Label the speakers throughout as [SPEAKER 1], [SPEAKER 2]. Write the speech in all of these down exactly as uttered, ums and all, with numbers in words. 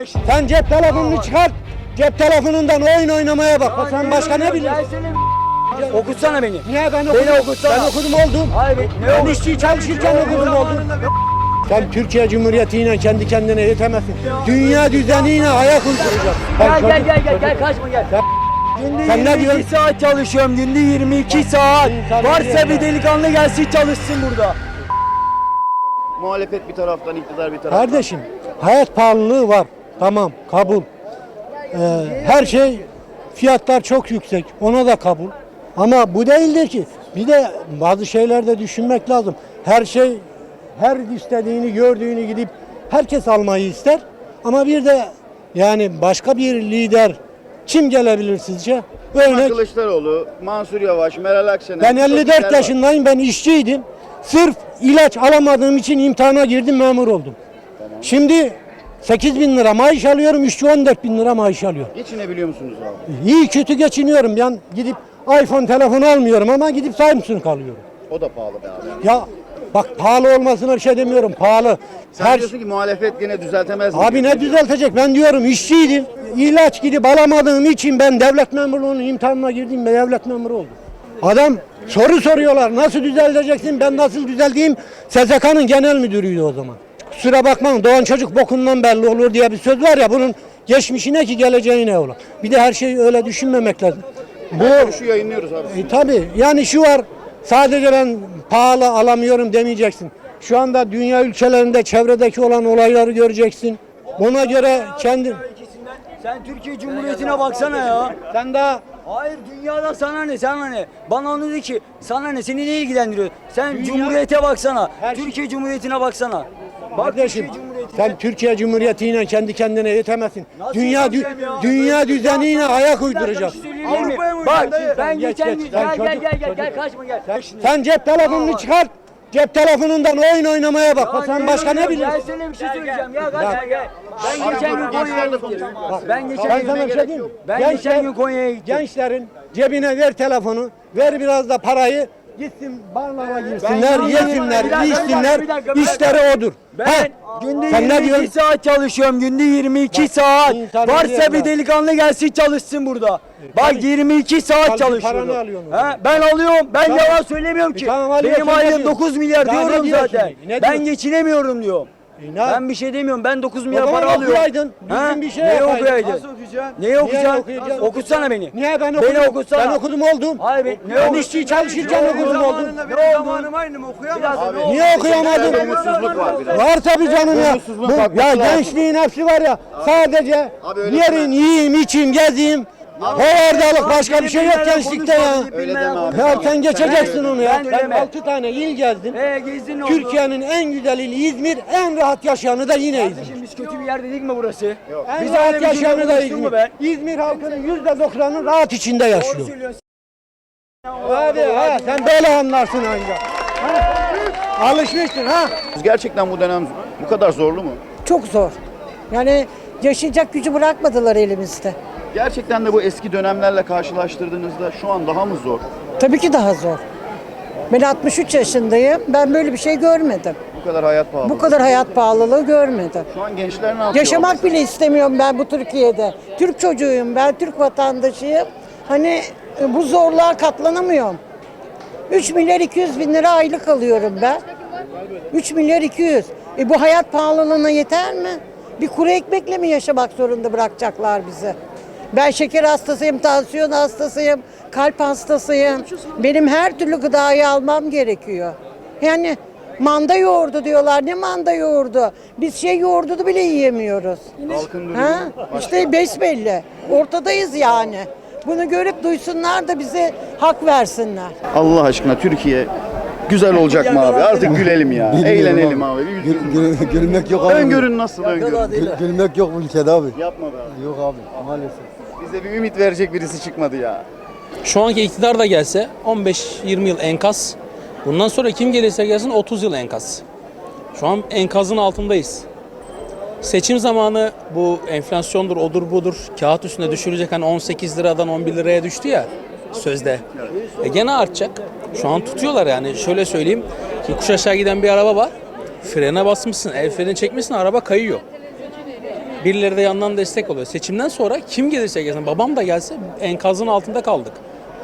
[SPEAKER 1] Sen cep telefonunu çıkart. Cep telefonundan oyun oynamaya bak. Ya sen başka ne biliyorsun?
[SPEAKER 2] Okutsana beni.
[SPEAKER 1] Niye ben okudum?
[SPEAKER 2] Beni okutsana.
[SPEAKER 1] Ben okudum oldum.
[SPEAKER 2] Hayır, ne
[SPEAKER 1] ben
[SPEAKER 2] okudun?
[SPEAKER 1] işçi çalışırken okudum oldum. Sen Türkiye Cumhuriyeti'yle kendi kendine yetemezsin. Dünya düzeniyle ayak uyduracaksın.
[SPEAKER 2] Gel gel gel gel gel kaçma gel. Günde
[SPEAKER 1] Sen ne
[SPEAKER 2] yirmi iki
[SPEAKER 1] diyorsun?
[SPEAKER 2] saat çalışıyorum. Günde yirmi iki saat.
[SPEAKER 1] İnsan
[SPEAKER 2] Varsa
[SPEAKER 1] diyor
[SPEAKER 2] bir
[SPEAKER 1] ya.
[SPEAKER 2] delikanlı gelsin çalışsın burada.
[SPEAKER 3] Muhalefet bir taraftan, iktidar bir taraftan.
[SPEAKER 1] Kardeşim hayat pahalılığı var. Tamam kabul. Ee, her şey fiyatlar çok yüksek. Ona da kabul. Ama bu değildir ki. Bir de bazı şeylerde düşünmek lazım. Her şey her istediğini gördüğünü gidip herkes almayı ister. Ama bir de yani başka bir lider kim gelebilir sizce?
[SPEAKER 3] Kemal
[SPEAKER 1] Örnek
[SPEAKER 3] Kılıçdaroğlu, Mansur Yavaş, Meral Akşener.
[SPEAKER 1] ben
[SPEAKER 3] birçok
[SPEAKER 1] elli
[SPEAKER 3] lider
[SPEAKER 1] dört
[SPEAKER 3] var.
[SPEAKER 1] yaşındayım. Ben işçiydim. Sırf ilaç alamadığım için imtihana girdim, memur oldum. Şimdi sekiz bin lira maaş alıyorum, işçi on dört bin lira maaş alıyor.
[SPEAKER 3] Geçinebiliyor musunuz abi?
[SPEAKER 1] İyi kötü geçiniyorum. Ben gidip iPhone telefonu almıyorum ama gidip Samsung alıyorum.
[SPEAKER 3] O da pahalı be abi.
[SPEAKER 1] Ya bak pahalı olmasına bir şey demiyorum. Pahalı.
[SPEAKER 3] Sen
[SPEAKER 1] Her
[SPEAKER 3] diyorsun ki muhalefet gene düzeltemez mi?
[SPEAKER 1] Abi ne düzeltecek? Ben diyorum işçiydim. İlaç gidip alamadığım için ben devlet memurluğunun imtihanına girdim ve devlet memuru oldum. Adam soru soruyorlar. Nasıl düzelteceksin? Ben nasıl düzelteyim? S S K'nın genel müdürüydü o zaman. Kusura bakmayın doğan çocuk bokundan belli olur diye bir söz var ya, bunun geçmişi ne ki geleceği ne olur. Bir de her şeyi öyle düşünmemek lazım. Bu
[SPEAKER 3] Şu yayınlıyoruz abi.
[SPEAKER 1] e, tabii yani şu var, sadece ben pahalı alamıyorum demeyeceksin. Şu anda dünya ülkelerinde çevredeki olan olayları göreceksin. Ona göre kendin...
[SPEAKER 2] Sen Türkiye Cumhuriyeti'ne baksana ya.
[SPEAKER 1] Sen daha
[SPEAKER 2] Hayır dünyada sana ne sana ne? Bana onu dedi ki sana ne seni ne ilgilendiriyor? Sen
[SPEAKER 1] Dünya-
[SPEAKER 2] Cumhuriyete baksana.
[SPEAKER 1] Her şey-
[SPEAKER 2] Türkiye Cumhuriyeti'ne baksana. Bak
[SPEAKER 1] kardeşim
[SPEAKER 2] Türkiye Cumhuriyeti'ne.
[SPEAKER 1] sen Türkiye Cumhuriyeti'yle kendi kendine yetemezsin.
[SPEAKER 2] Nasıl
[SPEAKER 1] Dünya dü-
[SPEAKER 2] yetemeyeceğim ya?
[SPEAKER 1] dünya düzeniyle ayak
[SPEAKER 2] Bir
[SPEAKER 1] uyduracaksın.
[SPEAKER 2] şey söyleyeyim mi?
[SPEAKER 1] Avrupa'ya mı
[SPEAKER 2] Bak
[SPEAKER 1] uyduracaksın?
[SPEAKER 2] ben
[SPEAKER 1] Geç,
[SPEAKER 2] geçen
[SPEAKER 1] geç,
[SPEAKER 2] gün
[SPEAKER 1] sen
[SPEAKER 2] gel gel
[SPEAKER 1] çocuk-
[SPEAKER 2] gel gel
[SPEAKER 1] çocuk.
[SPEAKER 2] gel kaçma gel.
[SPEAKER 1] Sen cep telefonunu çıkart. Cep telefonundan oyun oynamaya bak.
[SPEAKER 2] Ya
[SPEAKER 1] Sen
[SPEAKER 2] ne
[SPEAKER 1] başka ne
[SPEAKER 2] diyorsun?
[SPEAKER 1] biliyorsun?
[SPEAKER 2] Gel sana bir şey söyleyeceğim ya gel
[SPEAKER 1] Ya.
[SPEAKER 2] gel gel. Ben
[SPEAKER 3] Abi
[SPEAKER 2] geçen
[SPEAKER 3] dur,
[SPEAKER 2] gün
[SPEAKER 3] gençler
[SPEAKER 2] Konya'ya
[SPEAKER 3] de
[SPEAKER 2] gittim.
[SPEAKER 3] konuşuyor.
[SPEAKER 2] Ben geçen
[SPEAKER 1] Ben
[SPEAKER 2] gün
[SPEAKER 1] sana bir şey diyeyim mi?
[SPEAKER 2] Ben
[SPEAKER 1] Gençler-
[SPEAKER 2] geçen gün Konya'ya gittim.
[SPEAKER 1] Gençlerin cebine ver telefonu, ver biraz da parayı, gitsin barlara girsinler,
[SPEAKER 2] Ben-
[SPEAKER 1] yesinler,
[SPEAKER 2] Bir dakika, bir
[SPEAKER 1] içsinler,
[SPEAKER 2] dakika, bir dakika, bir dakika.
[SPEAKER 1] işleri odur.
[SPEAKER 2] Ben
[SPEAKER 1] Ha,
[SPEAKER 2] günde
[SPEAKER 1] sen ne
[SPEAKER 2] yirmi iki
[SPEAKER 1] diyorsun?
[SPEAKER 2] saat çalışıyorum. Günde yirmi iki saat.
[SPEAKER 1] insan
[SPEAKER 2] Varsa
[SPEAKER 1] diyor
[SPEAKER 2] bir
[SPEAKER 1] ya.
[SPEAKER 2] delikanlı gelsin çalışsın burada. Bak
[SPEAKER 1] tabii.
[SPEAKER 2] yirmi iki saat
[SPEAKER 1] Tabii,
[SPEAKER 2] çalışıyorum.
[SPEAKER 1] paranı alıyorsun o
[SPEAKER 2] Ha, ben alıyorum. Ben
[SPEAKER 1] Tamam.
[SPEAKER 2] yalan söylemiyorum ki.
[SPEAKER 1] E, tamam, alıyorsun,
[SPEAKER 2] Benim
[SPEAKER 1] ne
[SPEAKER 2] aylığım
[SPEAKER 1] diyorsun?
[SPEAKER 2] dokuz milyar
[SPEAKER 1] Daha ne
[SPEAKER 2] diyorum
[SPEAKER 1] diyorsun
[SPEAKER 2] zaten.
[SPEAKER 1] peki? Ne
[SPEAKER 2] Ben
[SPEAKER 1] diyorsun?
[SPEAKER 2] geçinemiyorum diyorum.
[SPEAKER 1] E, ne-
[SPEAKER 2] Ben bir şey demiyorum. Ben dokuz
[SPEAKER 1] O
[SPEAKER 2] milyar
[SPEAKER 1] zaman
[SPEAKER 2] para alıyorum.
[SPEAKER 1] okuyaydın, düzgün bir şey
[SPEAKER 2] Neyi
[SPEAKER 1] yapaydın.
[SPEAKER 2] okuyaydın?
[SPEAKER 1] Nasıl okuyacaksın?
[SPEAKER 2] Neyi okuyacaksın?
[SPEAKER 1] okuyacaksın?
[SPEAKER 2] Okutsana beni.
[SPEAKER 1] Niye ben okudum?
[SPEAKER 2] Beni okutsana.
[SPEAKER 1] Ben okudum oldum.
[SPEAKER 2] Hayır, ben- ne
[SPEAKER 1] ben
[SPEAKER 2] okudun?
[SPEAKER 1] işçi çalışırken okudum oldum.
[SPEAKER 2] Ne oldu? aynı mı okuyamazsın?
[SPEAKER 1] Niye okuyamadın?
[SPEAKER 3] Umutsuzluk var biraz.
[SPEAKER 1] Var tabii canım ya.
[SPEAKER 3] Umutsuzluğun
[SPEAKER 1] Bu,
[SPEAKER 3] kalkması
[SPEAKER 1] ya
[SPEAKER 3] lazım.
[SPEAKER 1] gençliğin hepsi var ya. Sadece
[SPEAKER 3] Abi öyle
[SPEAKER 1] yerin,
[SPEAKER 3] deme.
[SPEAKER 1] yiyeyim, içeyim, gezeyim. Hovardalık başka bir şey yok gençlikte ya.
[SPEAKER 3] Öyle deme abi.
[SPEAKER 1] Ya sen geçeceksin onu ya.
[SPEAKER 2] Ben de
[SPEAKER 1] Ben
[SPEAKER 2] deme.
[SPEAKER 1] altı tane il gezdim.
[SPEAKER 2] Ee gezdin ne oldu?
[SPEAKER 1] Türkiye'nin en güzel ili İzmir, en rahat yaşayanı da yine İzmir.
[SPEAKER 2] Kardeşim biz kötü bir yer dedik mi burası?
[SPEAKER 1] En
[SPEAKER 2] Biz
[SPEAKER 1] rahat
[SPEAKER 2] öyle bir cümle
[SPEAKER 1] yaşayanı da
[SPEAKER 2] konuştun mu
[SPEAKER 1] İzmir.
[SPEAKER 2] ben?
[SPEAKER 1] İzmir halkının yüzde doksanı rahat içinde yaşıyor.
[SPEAKER 2] Söylüyorsun.
[SPEAKER 1] Hadi ha sen böyle anlarsın ancak. Ha? Alışmışsın ha.
[SPEAKER 3] Gerçekten bu dönem bu kadar zorlu mu?
[SPEAKER 4] Çok zor. Yani yaşayacak gücü bırakmadılar elimizde.
[SPEAKER 3] Gerçekten de bu eski dönemlerle karşılaştırdığınızda şu an daha mı zor?
[SPEAKER 4] Tabii ki daha zor. Ben altmış üç yaşındayım. Ben böyle bir şey görmedim.
[SPEAKER 3] Bu kadar hayat pahalı.
[SPEAKER 4] Bu kadar hayat pahalılığı görmedim.
[SPEAKER 3] Şu an gençler ne yapıyor?
[SPEAKER 4] Yaşamak bile istemiyorum ben bu Türkiye'de. Türk çocuğuyum ben, Türk vatandaşıyım. Hani e, bu zorluğa katlanamıyorum. üç milyar iki yüz bin lira aylık alıyorum ben. üç milyar iki yüz. E bu hayat pahalılığına yeter mi? Bir kuru ekmekle mi yaşamak zorunda bırakacaklar bizi? Ben şeker hastasıyım, tansiyon hastasıyım, kalp hastasıyım. Benim her türlü gıdayı almam gerekiyor. Yani manda yoğurdu diyorlar. Ne manda yoğurdu? Biz şey yoğurdu bile yiyemiyoruz.
[SPEAKER 3] Halkın durumu
[SPEAKER 4] Ha?
[SPEAKER 3] başka.
[SPEAKER 4] İşte besbelli. Ortadayız yani. Bunu görüp duysunlar da bize hak versinler.
[SPEAKER 3] Allah aşkına Türkiye güzel olacak mı abi? Artık gülelim ya. Eğlenelim abi. Bir
[SPEAKER 5] Gül, gül, gülmek yok abi.
[SPEAKER 3] Öngörün nasıl öngörün?
[SPEAKER 5] Gül, gülmek yok bu ülkede abi.
[SPEAKER 3] Yapma be abi.
[SPEAKER 5] Yok abi maalesef.
[SPEAKER 3] Bize bir ümit verecek birisi çıkmadı ya.
[SPEAKER 6] Şu anki iktidar da gelse on beş yirmi yıl enkaz. Bundan sonra kim gelirse gelsin otuz yıl enkaz. Şu an enkazın altındayız. Seçim zamanı bu enflasyondur, odur budur, kağıt üstüne düşürecek, hani on sekiz liradan on bir liraya düştü ya sözde. E gene artacak. Şu an tutuyorlar yani. Şöyle söyleyeyim, yokuş aşağı giden bir araba var. Frene basmışsın, el freni çekmişsin, araba kayıyor. Birileri de yandan destek oluyor. Seçimden sonra kim gelirse gelsin, babam da gelse enkazın altında kaldık.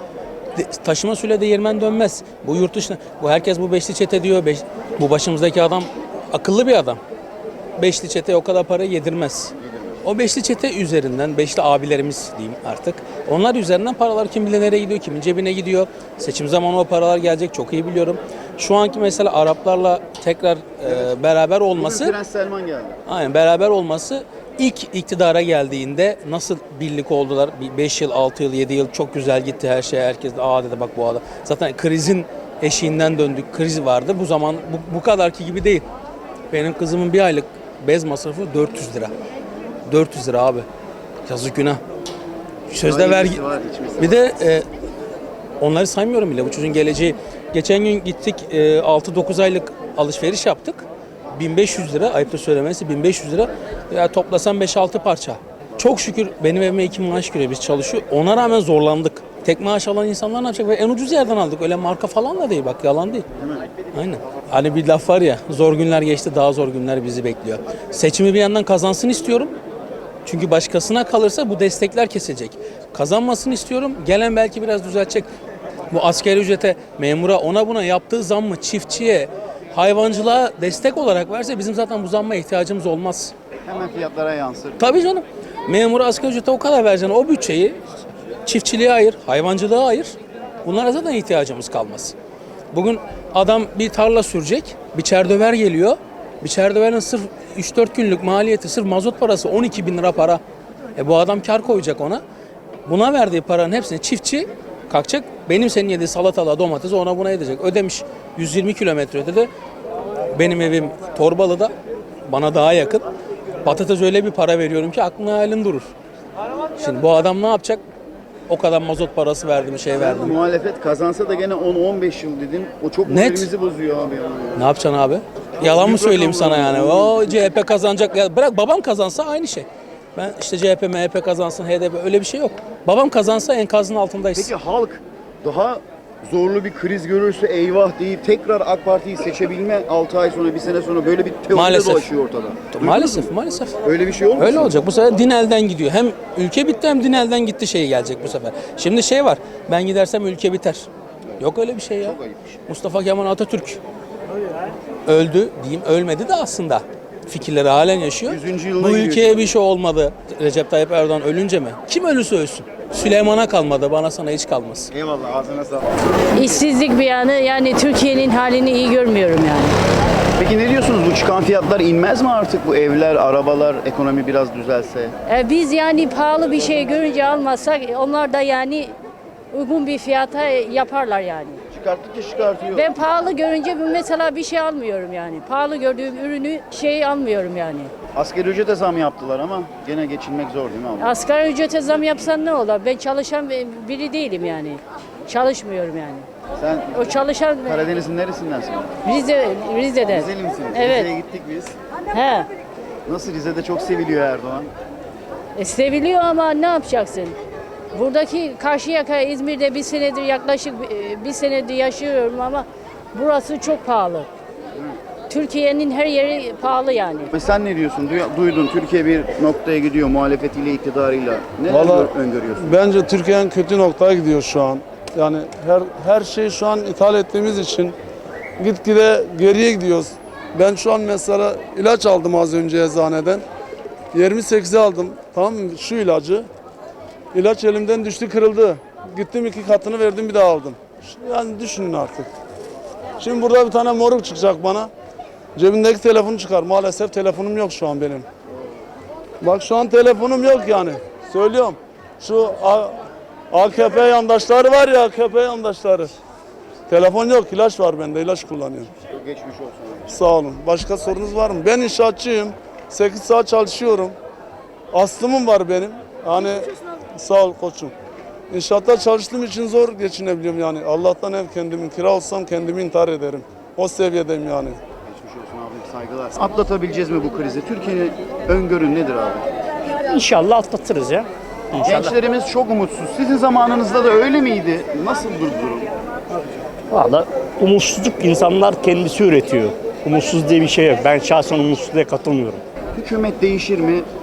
[SPEAKER 6] De- taşıma suyla değirmen dönmez. Bu yurt dışına, bu herkes bu beşli çete diyor. Beş, bu başımızdaki adam akıllı bir adam. Beşli çete o kadar para yedirmez. O beşli çete üzerinden, beşli abilerimiz diyeyim artık. Onlar üzerinden paralar kim bilir nereye gidiyor, kimin cebine gidiyor. Seçim zamanı o paralar gelecek, çok iyi biliyorum. Şu anki mesela Araplarla tekrar e, beraber
[SPEAKER 3] Bugün
[SPEAKER 6] olması,
[SPEAKER 3] Prens Selman geldi.
[SPEAKER 6] aynen beraber olması, ilk iktidara geldiğinde nasıl birlik oldular? beş yıl, altı yıl, yedi yıl çok güzel gitti her şey. Herkes de aa dedi bak bu adam. Zaten krizin eşiğinden döndük. Kriz vardı. Bu zaman bu, bu kadarki gibi değil. Benim kızımın bir aylık bez masrafı dört yüz lira. dört yüz lira abi. Yazık günah. Sözde
[SPEAKER 3] Daha
[SPEAKER 6] vergi.
[SPEAKER 3] iyisi var, içmesi
[SPEAKER 6] Bir
[SPEAKER 3] var.
[SPEAKER 6] de e, onları saymıyorum bile. Bu çocuğun geleceği. Geçen gün gittik e, altı dokuz aylık alışveriş yaptık. bin beş yüz lira. Ayıptır söylemesi bin beş yüz lira. Ya toplasam beş altı parça. Çok şükür benim evime iki maaş giriyor. Biz çalışıyor. Ona rağmen zorlandık. Tek maaş alan insanlar ne yapacak? Ve en ucuz yerden aldık. Öyle marka falan da değil. Bak yalan değil. Aynen. Hani bir laf var ya, zor günler geçti, daha zor günler bizi bekliyor. Seçimi bir yandan kazansın istiyorum. Çünkü başkasına kalırsa bu destekler kesilecek. Kazanmasını istiyorum. Gelen belki biraz düzeltecek. Bu asgari ücrete, memura, ona buna yaptığı zammı çiftçiye, hayvancılığa destek olarak verse bizim zaten bu zamma ihtiyacımız olmaz.
[SPEAKER 3] Hemen fiyatlara yansır.
[SPEAKER 6] Tabii canım. Memura asgari ücrete o kadar vereceksin. O bütçeyi çiftçiliğe ayır, hayvancılığa ayır. Bunlara zaten ihtiyacımız kalmaz. Bugün adam bir tarla sürecek, bir çerdöver geliyor. Bir çerdöverin sırf üç dört günlük maliyeti, sırf mazot parası on iki bin lira para. E bu adam kar koyacak ona. Buna verdiği paranın hepsini çiftçi kalkacak. Benim senin yediği salatalığa, domatesi ona buna edecek. Ödemiş yüz yirmi kilometre ödedi. Benim evim Torbalı'da, bana daha yakın. Patates öyle bir para veriyorum ki aklına hayalin durur. Şimdi bu adam ne yapacak? O kadar mazot parası verdim, şey verdim.
[SPEAKER 3] Muhalefet kazansa da gene on on beş yıl dedin. O çok
[SPEAKER 6] Net.
[SPEAKER 3] moralimizi bozuyor abi. Yani.
[SPEAKER 6] Ne yapacaksın abi? Yalan mı
[SPEAKER 3] Büyük
[SPEAKER 6] söyleyeyim
[SPEAKER 3] rakamlar
[SPEAKER 6] sana yani?
[SPEAKER 3] var.
[SPEAKER 6] O C H P kazanacak. Ya bırak babam kazansa aynı şey. Ben işte C H P, M H P kazansın, H D P öyle bir şey yok. Babam kazansa enkazın altındayız.
[SPEAKER 3] Peki halk daha zorlu bir kriz görürse eyvah deyip tekrar AK Parti'yi seçebilme altı ay sonra, bir sene sonra böyle bir teori
[SPEAKER 6] Maalesef.
[SPEAKER 3] dolaşıyor ortada. Duydunuz
[SPEAKER 6] Maalesef,
[SPEAKER 3] mu?
[SPEAKER 6] maalesef.
[SPEAKER 3] Öyle bir şey olmuş
[SPEAKER 6] Öyle
[SPEAKER 3] mu?
[SPEAKER 6] olacak. Bu sefer din elden gidiyor. Hem ülke bitti hem din elden gitti şeyi gelecek bu sefer. Şimdi şey var. Ben gidersem ülke biter. Yok öyle bir şey ya.
[SPEAKER 3] Çok ayıpmış.
[SPEAKER 6] Mustafa Kemal Atatürk öldü diyeyim, ölmedi de aslında. Fikirleri halen yaşıyor.
[SPEAKER 3] yüzüncü yılına
[SPEAKER 6] Bu
[SPEAKER 3] giriyor
[SPEAKER 6] ülkeye
[SPEAKER 3] şimdi.
[SPEAKER 6] bir şey olmadı. Recep Tayyip Erdoğan ölünce mi? Kim ölürse ölsün. Süleyman'a kalmadı, bana sana hiç kalmaz.
[SPEAKER 3] Eyvallah, ağzına sağlık.
[SPEAKER 7] İşsizlik bir yanı, yani Türkiye'nin halini iyi görmüyorum yani.
[SPEAKER 3] Peki ne diyorsunuz, bu çıkan fiyatlar inmez mi artık, bu evler, arabalar, ekonomi biraz düzelse?
[SPEAKER 7] E, biz yani pahalı bir şey görünce almazsak onlar da yani uygun bir fiyata yaparlar yani.
[SPEAKER 3] Çıkarttıkça çıkartıyor.
[SPEAKER 7] Ben pahalı görünce mesela bir şey almıyorum yani. Pahalı gördüğüm ürünü şey almıyorum yani.
[SPEAKER 3] Asgari ücrete zam yaptılar ama gene geçinmek zor değil mi abi?
[SPEAKER 7] Asgari ücrete zam yapsan ne olur? Ben çalışan biri değilim yani. Çalışmıyorum yani.
[SPEAKER 3] Sen
[SPEAKER 7] O çalışan
[SPEAKER 3] Karadeniz'in neresindensin?
[SPEAKER 7] Rize, Rize'den.
[SPEAKER 3] Rizeli misin?
[SPEAKER 7] Evet.
[SPEAKER 3] Rize'ye gittik biz.
[SPEAKER 7] He.
[SPEAKER 3] Nasıl, Rize'de çok seviliyor Erdoğan?
[SPEAKER 7] E, seviliyor ama ne yapacaksın? Buradaki Karşıyaka, İzmir'de bir senedir yaklaşık e, bir senedir yaşıyorum ama burası çok pahalı. Türkiye'nin her yeri pahalı yani.
[SPEAKER 3] Ve sen ne diyorsun? Duy- Duydun, Türkiye bir noktaya gidiyor muhalefetiyle, iktidarıyla. Neler
[SPEAKER 8] Vallahi
[SPEAKER 3] gör- öngörüyorsun?
[SPEAKER 8] bence Türkiye'nin kötü noktaya gidiyor şu an. Yani her her şeyi şu an ithal ettiğimiz için gitgide geriye gidiyoruz. Ben şu an mesela ilaç aldım az önce eczaneden. yirmi sekize aldım. Tamam mı? Şu ilacı. İlaç elimden düştü, kırıldı. Gittim iki katını verdim, bir daha aldım. Yani düşünün artık. Şimdi burada bir tane moruk çıkacak bana. Cebindeki telefonu çıkar. Maalesef telefonum yok şu an benim. Bak şu an telefonum yok yani. Söylüyorum. Şu A- AKP yandaşları var ya, A K P yandaşları. Telefon yok, ilaç var bende, ilaç kullanıyorum.
[SPEAKER 3] Çok geçmiş olsun.
[SPEAKER 8] Sağ olun. Başka sorunuz var mı? Ben inşaatçıyım. sekiz saat çalışıyorum. Aslımım var benim. Yani sağ ol koçum. İnşaatta çalıştığım için zor geçinebiliyorum yani. Allah'tan ev kendimin, kira olsam kendimi intihar ederim. O seviyedeyim yani.
[SPEAKER 3] Geçmiş olsun abi, saygılar. Atlatabileceğiz mi bu krizi? Türkiye'nin öngörün nedir abi?
[SPEAKER 9] İnşallah atlatırız ya. İnşallah.
[SPEAKER 3] Gençlerimiz çok umutsuz. Sizin zamanınızda da öyle miydi? Nasıl durum?
[SPEAKER 9] Valla umutsuzluk insanlar kendisi üretiyor. Umutsuz diye bir şey yok. Ben şahsen umutsuzluğa katılmıyorum.
[SPEAKER 3] Hükümet değişir mi?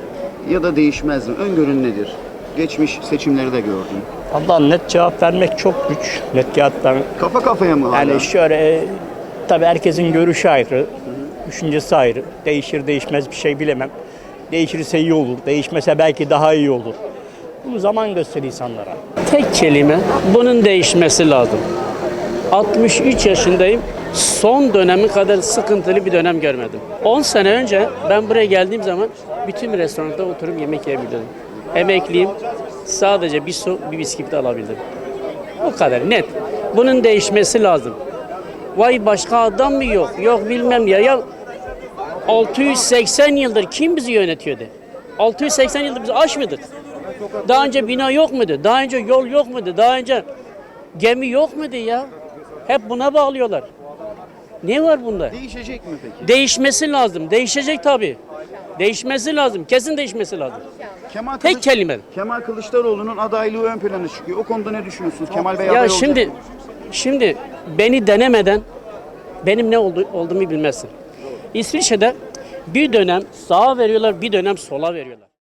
[SPEAKER 3] ya da değişmez mi? Öngörün nedir? Geçmiş seçimleri de gördün.
[SPEAKER 9] Valla net cevap vermek çok güç. Net cevap vermek.
[SPEAKER 3] Kafa kafaya mı hala?
[SPEAKER 9] Yani şöyle e, tabii herkesin görüşü ayrı, düşüncesi ayrı. Değişir değişmez bir şey bilemem. Değişirse iyi olur, değişmese belki daha iyi olur. Bunu zaman gösterir insanlara.
[SPEAKER 10] Tek kelime, bunun değişmesi lazım. altmış üç yaşındayım. Son dönemi kadar sıkıntılı bir dönem görmedim. on sene önce ben buraya geldiğim zaman bütün restoranda oturup yemek yiyebildim. Emekliyim. Sadece bir su, bir bisküvit alabildim. O kadar net. Bunun değişmesi lazım. Vay başka adam mı yok? Yok bilmem ya. Ya altı yüz seksen yıldır kim bizi yönetiyordu? altı yüz seksen yıldır biz aç mıydık? Daha önce bina yok muydu? Daha önce yol yok muydu? Daha önce gemi yok muydu ya? Hep buna bağlıyorlar. Ne var bunda?
[SPEAKER 3] Değişecek mi peki?
[SPEAKER 10] Değişmesi lazım. Değişecek tabii. Değişmesi lazım. Kesin değişmesi lazım.
[SPEAKER 3] Kemal
[SPEAKER 10] Tek
[SPEAKER 3] Kılıç-
[SPEAKER 10] kelime.
[SPEAKER 3] Kemal Kılıçdaroğlu'nun adaylığı ön plana çıkıyor. O konuda ne düşünüyorsunuz? Kemal Bey
[SPEAKER 10] Ya
[SPEAKER 3] aday olacak
[SPEAKER 10] şimdi
[SPEAKER 3] mı?
[SPEAKER 10] şimdi beni denemeden benim ne oldu, olduğumu bilmezsin. İsviçre'de bir dönem sağa veriyorlar, bir dönem sola veriyorlar.